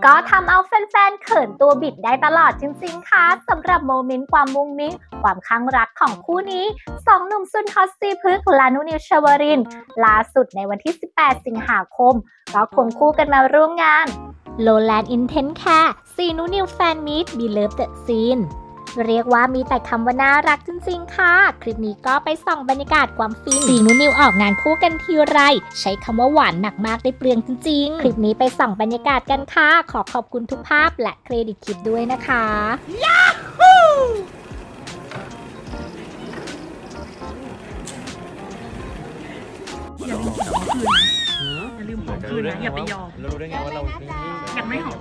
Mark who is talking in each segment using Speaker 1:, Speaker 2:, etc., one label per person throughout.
Speaker 1: ก็ทำเอาแฟนๆเขินตัวบิดได้ตลอดจริงๆค่ะสำหรับโมเมนต์ความมุ้งมิ้งความข้างรักของคู่นี้สองหนุ่มซุนฮอตซีพึกษ์และนุนิวชวรินทร์ล่าสุดในวันที่ 18 สิงหาคมก็ควงคู่กันมาร่วมงาน Lowland Intense Care ซีนุนิวแฟนมีต Beloved the Scene เรียกว่ามีแต่คำว่าน่ารักจริงๆค่ะคลิปนี้ก็ไปส่องบรรยากาศความฟินซีนุนิวออกงานคู่กันทีไรใช้คำว่าหวานหนักมากได้เปลืองจริงๆคลิปนี้ไปส่องบรรยากาศกันค่ะขอขอบคุณทุกภาพและเครดิตคลิปด้วยนะคะ
Speaker 2: อย่าลืมของคืนนะอย่าไปยอม
Speaker 3: เรารู้ได้ไงว่าเรา
Speaker 2: อยากไม่หอม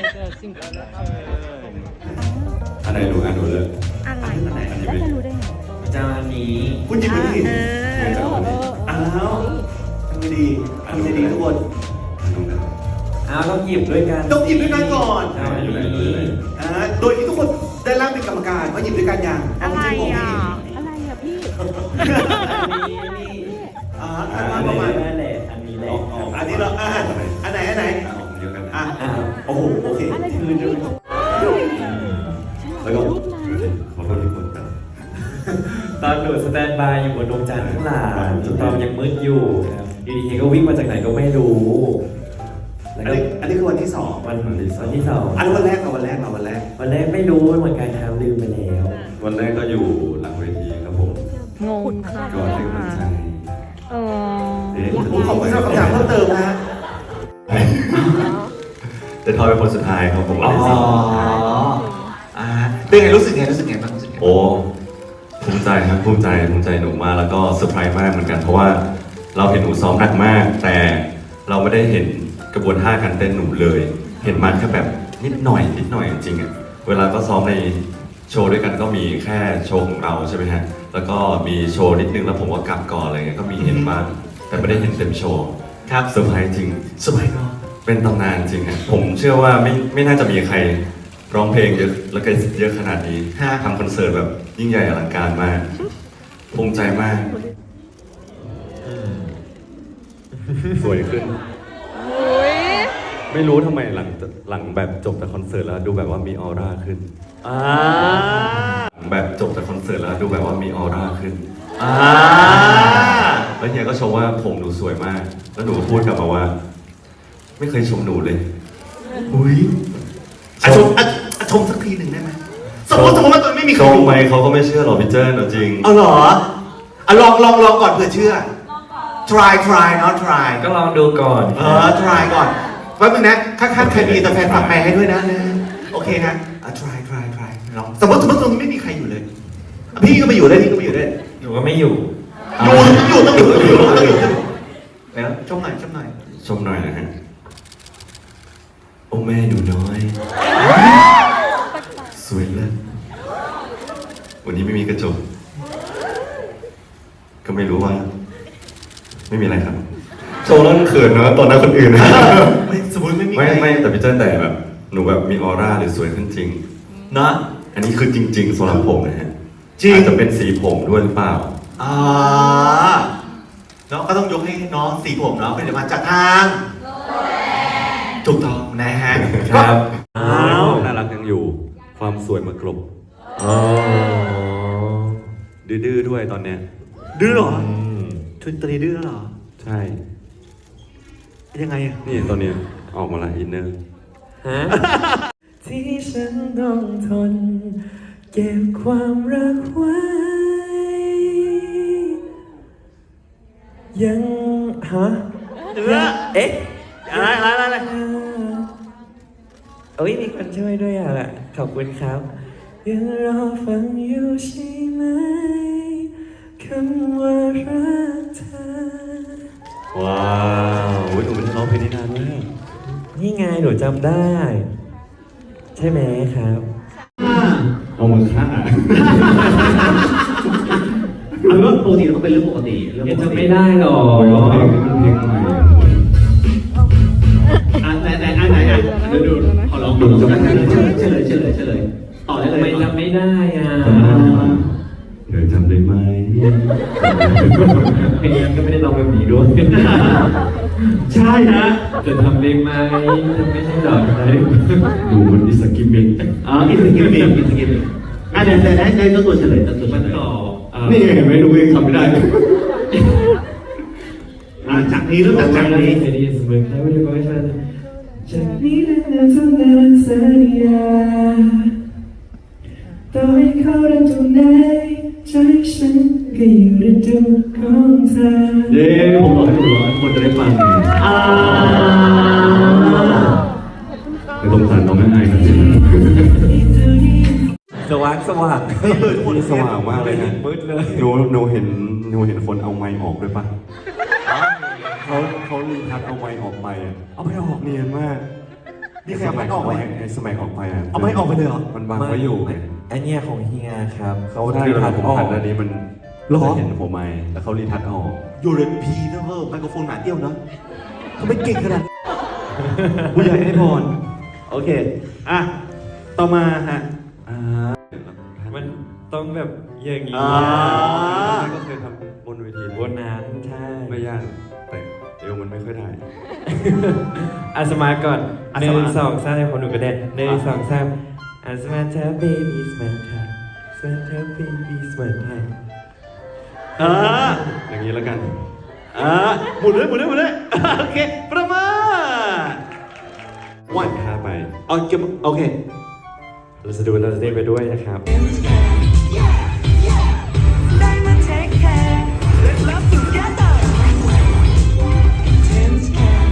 Speaker 4: อันไหนรู้อันรู้เลย
Speaker 2: อะไร
Speaker 3: แล้วจะรู้ได้ไง
Speaker 4: จานนี้
Speaker 3: คุณหยิบไปดิ อ้าวทำไมดีทำไมดีทุกคน
Speaker 4: ต้องหยิบด้วยกัน
Speaker 3: ต้องหยิบด้วยกันก่อน
Speaker 4: อยู่ไหน
Speaker 3: โดยที่ทุกคนได้ร่างเป็นกรรมการว่าหยิบด้วยกันอย่าง
Speaker 2: อะไรอ่ะ
Speaker 3: อันนี้
Speaker 4: นี่
Speaker 3: ประมาณ
Speaker 4: นั่นแหละอันนี้แหละ
Speaker 3: อันนี้เราอันไหน
Speaker 4: เดียวกัน
Speaker 3: โอ้โหโอเค
Speaker 4: แล้วก็ขอโทษทุกคนครับตอนหนูสแตนบายอยู่บนดวงจันทร์ข้างหลังตอนยังมืดอยู่อยู่ดีๆก็วิ่งมาจากไหนก็ไม่รู้แล้วก็
Speaker 3: อันนี้คือวันที่สอง
Speaker 4: วันที่สอง
Speaker 3: อันวันแรกวันแรก
Speaker 4: วันแรกไม่รู้เหมือนกันครับลืมไปแล้ว
Speaker 5: วันแรกก็อยู่หลังเวทีครับผม
Speaker 2: งงค่ะ
Speaker 5: ก่อนถึงวันใจ
Speaker 3: ผมขอบคุณสำหรับคำถามเพิ่มเติมนะฮะ
Speaker 5: แต่ทอยเป็นคนสุดท้ายครับผม
Speaker 3: เป็นไงรู้สึกไงบ้าง
Speaker 5: โอ้ภูมิใจครับภูมิใจหนูมากแล้วก็เซอร์ไพรส์มากเหมือนกันเพราะว่าเราเห็นหนูซ้อมหนักมาก แต่เราไม่ได้เห็นกระบวนท่าการเต้นหนูเลย เห็นมันแค่แบบนิดหน่อยจริงๆอ่ะเวลาก็ซ้อมในโชว์ด้วยกันก็มีแค่โชว์ของเราใช่ไหมฮะแล้วก็มีโชว์นิดนึงแล้วผมก็กลับก่อนอะไรเงี้ยก็มีเห็นบ้างแต่ไม่ได้เห็นเต็มโชว์ครับเซอร์ไพรส์จริง
Speaker 3: สบายเนาะ
Speaker 5: เป็นตำนานจริงฮะผมเชื่อว่าไม่น่าจะมีใครร้องเพลงเยอะแล้วก็เยอะขนาดนี้ทำคอนเสิร์ตแบบยิ่งใหญ่อลังการมากภูมิใจมากสวยขึ้นไม่รู้ทำไมหลังแบบจบจากคอนเสิร์ตแล้วดูแบบว่ามีออร่าขึ้นแบบจบจากคอนเสิร์ตแล้วดูแบบว่ามีออร่าขึ้นแล้วเฮียก็ชมว่าผมหนูสวยมาก แล้วหนูก็พูดกลับมาว่า ไม่เคยชมหนูเลย
Speaker 3: อุ้ยชมสักทีหนึ่งได้ไหมสมมติว่าตัวไม่มี
Speaker 5: ช
Speaker 3: ใคร
Speaker 5: ม
Speaker 3: ดู
Speaker 5: ไหมเขาก็ไม่เชื่อหรอกพี่เจิ้นเอาจริง
Speaker 3: เอาเหรอลองก่อนเผื่อเชื่อ try เนาะ try
Speaker 4: ก็ลองดูก่อน
Speaker 3: try ก่อนแป๊บนึงนะข้างๆใครมีแต่แฟนฝากแปลให้ด้วยนะโอเคนะtry ลองสมมติตรงนี้ไม่มีใครอยู่เลยพี่ก็ไม่อยู่ด้วย
Speaker 4: หนูก็ไม่อยู่
Speaker 3: ต้องอยู่แล้วชมหน่อย
Speaker 5: ชมหน่อยนะฮะโอ้แม่หนูน้อย สวยเลิศวันนี้ไม่มีกระจกก็ไม่รู้ว่า ไม่มีอะไรครับ โชว์แล้วเขินเนอะตอนนั้นคนอื่นนะ
Speaker 3: ไม่สมมติไม่มี
Speaker 5: ไม่แต่พี่เจิ้นแต่แบบหนูแบบมีออร่าหรือสวยขึ้นจริง
Speaker 3: เนาะ
Speaker 5: อันนี้คือจริงๆสำหรับผมนะฮะ
Speaker 3: จริง
Speaker 5: อาจจะเป็นสีผมด้วยหรือเปล่า
Speaker 3: เนาะก็ต้องยกให้น้องสีผมเนาะเป็นมาจากทางถูกต้องนะฮะ
Speaker 4: ครับ
Speaker 5: น่ารักยังอยู่ ความสวยมากลบดื้อๆด้วยตอนเนี้ย
Speaker 3: ดื้อเหรอชุนตรีดื้อเหรอ
Speaker 5: ใช่
Speaker 3: ยังไงอะ
Speaker 5: นี่ตอนเนี้ยออกมาละอินเนอร์
Speaker 4: ที่ฉันต้องทนเก็บความรักไว้ยังเอ๊ะอะไรโอ้ยมีคนช่วยด้วยอ่ะขอบคุณครับยังรอฟังอยู่ใช่ไหมคำว่ารักเธอ
Speaker 5: ว้าวหนูเป็นร้องเพลงนี้นานมาก
Speaker 4: นี่ไงหนูจำได้ ใช่ไหมครับ
Speaker 5: เอามือฆ่า
Speaker 6: เอาเป็นว่าปกติก็เป็นเรื่องปกติ
Speaker 4: ยังจำไม่ได้หรอก
Speaker 5: เพลงใหม่
Speaker 6: ไหนดูขอลองดูเฉลยต่อได้เลย
Speaker 4: ไม่จำไม่ได้อ่ะ
Speaker 5: เธอจำได้ไหม
Speaker 4: เพลงนั้นก็ไม่ได้ร้องแบบนี้ด้วย
Speaker 6: ใช่ช่ฮะ
Speaker 4: จะทำเองไหมไม่ใช่หรอกอะไร
Speaker 6: ดูมันอิสกิมมิงอ๋ออิสกิมมิงอิสกิมมิงอ่ะเดี๋ยวได้ตัวเฉลยตัวเฉ
Speaker 4: มัน
Speaker 6: ลย
Speaker 4: ต่อ
Speaker 6: นี่ไงเห็นไหมดูเองทำไม่ได้จากนี้เริ่มจากนี้
Speaker 4: ไอเดียเสมอใครไม่ได้บอกให้ฉันจากนี้แล้วจะนานสัญญาต่อให้เขาเดินตรงไหนใจฉันก็อยู่ในดวงของเธอ
Speaker 6: เย้ผมบอกให้ดูร้อยคนจะได้ฟังอ่า
Speaker 5: ไม่ต้องสารน้องง่ายๆนะ
Speaker 4: สว่างสว่าง
Speaker 5: นี่สว่างมากเลยนะ
Speaker 4: มืดเลย
Speaker 5: หนูเห็นคนเอาไม้ออกด้วยปะเขารีทัชเอาไม้ออกไปอะ
Speaker 3: เอาไม่ออก
Speaker 5: เนียนมาก
Speaker 3: นี่ใครเอาไม้ออกไหม
Speaker 5: ไอ้สมัยออกไปอะ
Speaker 3: เอาไม้ออกไปเลยเหรอ
Speaker 5: มันวางไว้อยู่ไง
Speaker 4: ไอเนี่ยของเฮียครับเขา
Speaker 5: ได้
Speaker 4: รี
Speaker 5: เว
Speaker 4: ทั
Speaker 5: ลา
Speaker 4: ช
Speaker 5: ผม
Speaker 4: ออ
Speaker 5: หั
Speaker 4: ก
Speaker 5: นอันนี้มัน
Speaker 3: หรอ
Speaker 5: จะเห็นหัวไม้แล้วเขารีทัชออก
Speaker 3: อยู่ในพีนะเว้ยไมโครโฟนหนาเตี้ยวนะทำไมเก่งขนาดนี้ผู้ใหญ่ให้พรโอเคอ่ะต่อมาฮะ
Speaker 4: มันต้องแบบอย่างนี้
Speaker 3: อ่า
Speaker 5: ก็เคยทำบนเวที
Speaker 4: บนนั้นใช่
Speaker 5: ไม่ยากแต่เอวมันไม่ค่อยได้
Speaker 4: อาสมาก่อน
Speaker 3: อ่ะ
Speaker 4: ห
Speaker 3: สมา
Speaker 4: นึ่งสองสามในคนหนูกระเด็นหนึ่งสองสามอาสมาเธอเบบี้สมาเธอสมาเธอเบบี้สมาเธอ
Speaker 3: อ่า
Speaker 5: อย่างนี้แล้วกัน
Speaker 3: หมุนเลยโอเคประมาณวัน
Speaker 5: ท่าไป
Speaker 3: โอเค
Speaker 4: เราจะดูเราจะเต้นไปด้วยนะครับ
Speaker 7: Diamond take care. Let's love together. Intense care.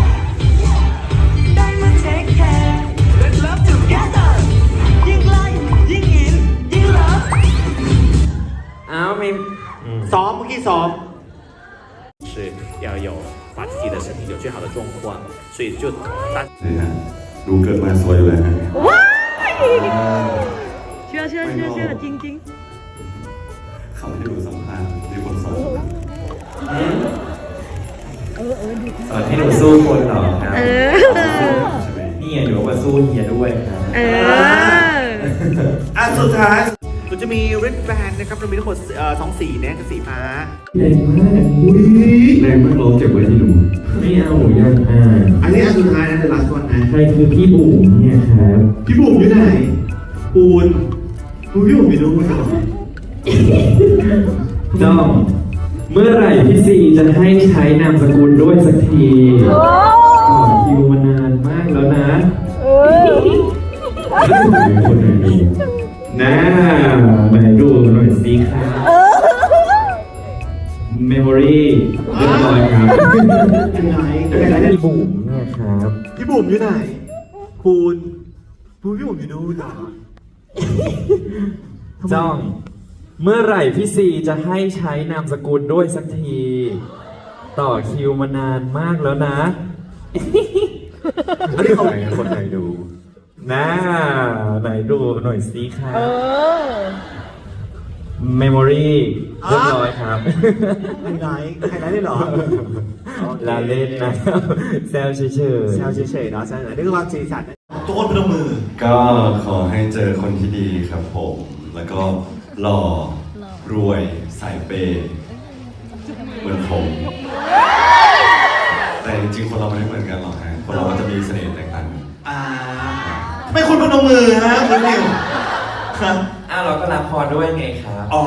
Speaker 7: Diamond take care. Let's love together. ยิ่งไล่ยิ่งอินยิ่ง love.
Speaker 4: อ้าวไม่
Speaker 3: ซ้อมเมื่อกี้ซ้อม
Speaker 8: 是要有把自己的身体有最好的状况，所以就大
Speaker 5: นี่ฮะดูเกิดมาสวยอยู่เลยฮะ
Speaker 2: เชื่อจริง
Speaker 5: เขาให้ดูสัมภาษณ์มีคนสอน
Speaker 4: สอนให้หนูสู้คนเหรอครับ
Speaker 5: ใช่ไหม
Speaker 4: นี่ไงหนูบอกว่าสู้เฮียด้วยครับ
Speaker 3: สุดท้ายเราจะมี red band นะครับเรามีทั้งหมด2 สีนะคือสีฟ้า
Speaker 4: แรงมาก
Speaker 5: แรงมากเราเก็บไว้ที่หนู
Speaker 4: ไม่เอาหนูยัง
Speaker 3: อันนี้อันสุดท้ายนะ the last one นะ
Speaker 4: ใครคือพี่บุ๋มเนี่ยครับ
Speaker 3: พี่บุ๋มอยู่ไหนปูนพี่บุ๋มอยู่นู้นเหรอ
Speaker 4: จ้องเมื่อไหร่พี่ซีจะให้ใช้นามสกุลด้วยสักทีต่อคิวมานานมากแล้วนะคนไหนดูน่าไหนดูหน่อยสิครับเมมโมรี่เรียบร้อยครับ
Speaker 3: ยังไง
Speaker 4: พี่บุ๋มเนี่ยครับ
Speaker 3: พี่บุ๋มอยู่ไหนปูนพี่บุ๋มอยู่นู้นเหรอ
Speaker 4: จ้อง เมื่อไหร่พี่ซีจะให้ใช้นามสกุลด้วยสักที ต่อคิวมานานมากแล้วนะ
Speaker 5: อันนี้คนไหนดู
Speaker 4: น่าไหนดูหน่อยสิครับเมมโมรี่เรียบร้อยครับ
Speaker 3: ไฮไลท์ได้เหรอ
Speaker 4: ลาเล่นนะแซวเฉย
Speaker 3: แซวเฉยๆเนาะแซวเฉยๆนี่คือความสีสันนะทุกคนพนมมือ
Speaker 5: ก็ขอให้เจอคนที่ดีครับผม แล้วก็หล่อรวยสายเปย์เหมือนผม แต่จริงๆคนเราไม่ได้เหมือนกันหรอกฮะคนเราก็จะมีเสน่ห์แตกต่างกัน
Speaker 3: ทำไมคุณพนมมือฮะคุณนิวครับ
Speaker 4: ๆอ้าวเราก็รับพรด้วยไงครับ
Speaker 3: อ๋อ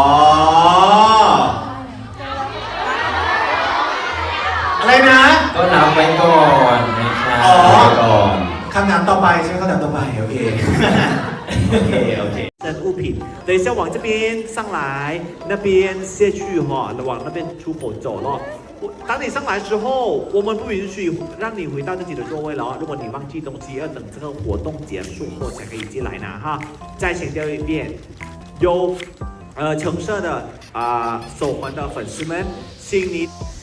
Speaker 3: อะไรนะ
Speaker 4: ก็รับไว้ก่อนนะครับ
Speaker 3: อ๋อ
Speaker 5: ก่อน
Speaker 3: คำถามต่อไปใช่ไหมคำถามต่อไปโอเค โอเค的物品，等一下往这边上来，那边下去哈，往那边出口走了。当你上来之后，我们不允许让你回到自己的座位了。如果你忘记东西，要等这个活动结束后才可以进来拿哈。再强调一遍，有橙色的手环的粉丝们，请你。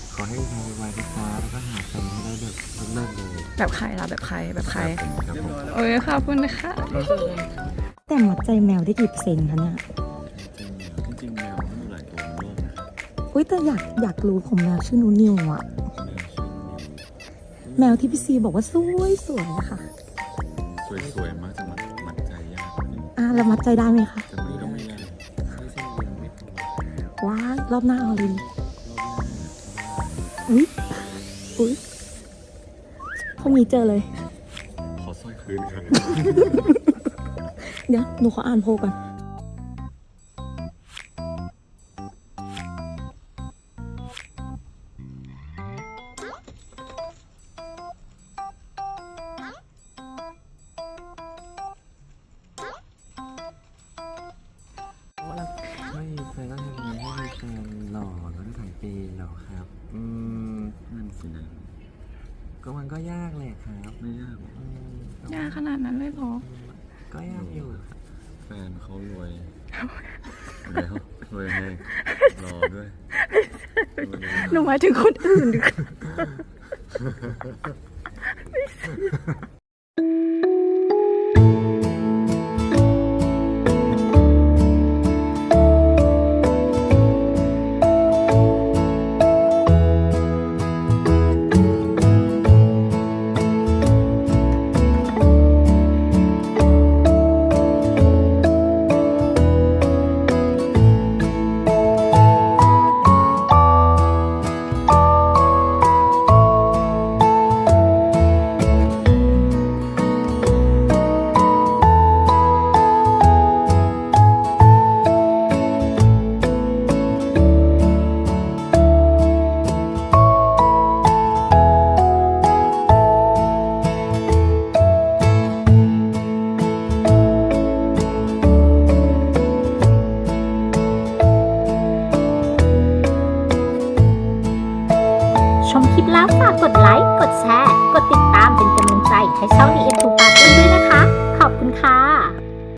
Speaker 2: แบบใครล่ะแบบใครโอ้ยขอบคุณค่ะ
Speaker 9: แต่มัดใจแมวได้กี่เปอร์เซ็นต์คะเนี่ย
Speaker 5: จริงๆแมวมันหลายตัวในโลกนะครับ
Speaker 9: อุ้ยแต่อยากรู้ผมแมวชื่อนูนิวอะแมวที่พี่ซีบอกว่าสวยอะค่ะ
Speaker 5: สวยๆมากจะมัดใจยาก
Speaker 9: แล้วมัดใจได้ไหมคะ
Speaker 5: แต่มันก็ไม่ยาก
Speaker 9: ว้ายรอบหน้าเอาเลยอุ้ยรุ่งนี้เจอเลย
Speaker 5: ขอสร้อยคืนครับ
Speaker 9: เดี๋ยวหนูขออ่านโพลก่อน
Speaker 4: ไม่มีแฟนต้องทำยังไงให้มีแฟนหล่อแล้วก็ถ่ายปีหรอครับ นั่นสินะก็มันก็ยากแหละครับไม่ยาก
Speaker 2: ยากขนาดนั้นเลยเหรอ
Speaker 4: ก็ยากอยู่
Speaker 5: แฟนเขารวยแล้วรวยให้รอด้วย
Speaker 2: หนูหมายถึงคนอื่นดิ
Speaker 1: ชมคลิปแล้วฝากกดไลค์ กดแชร์ กดติดตามเป็นกำลังใจให้ช่อง The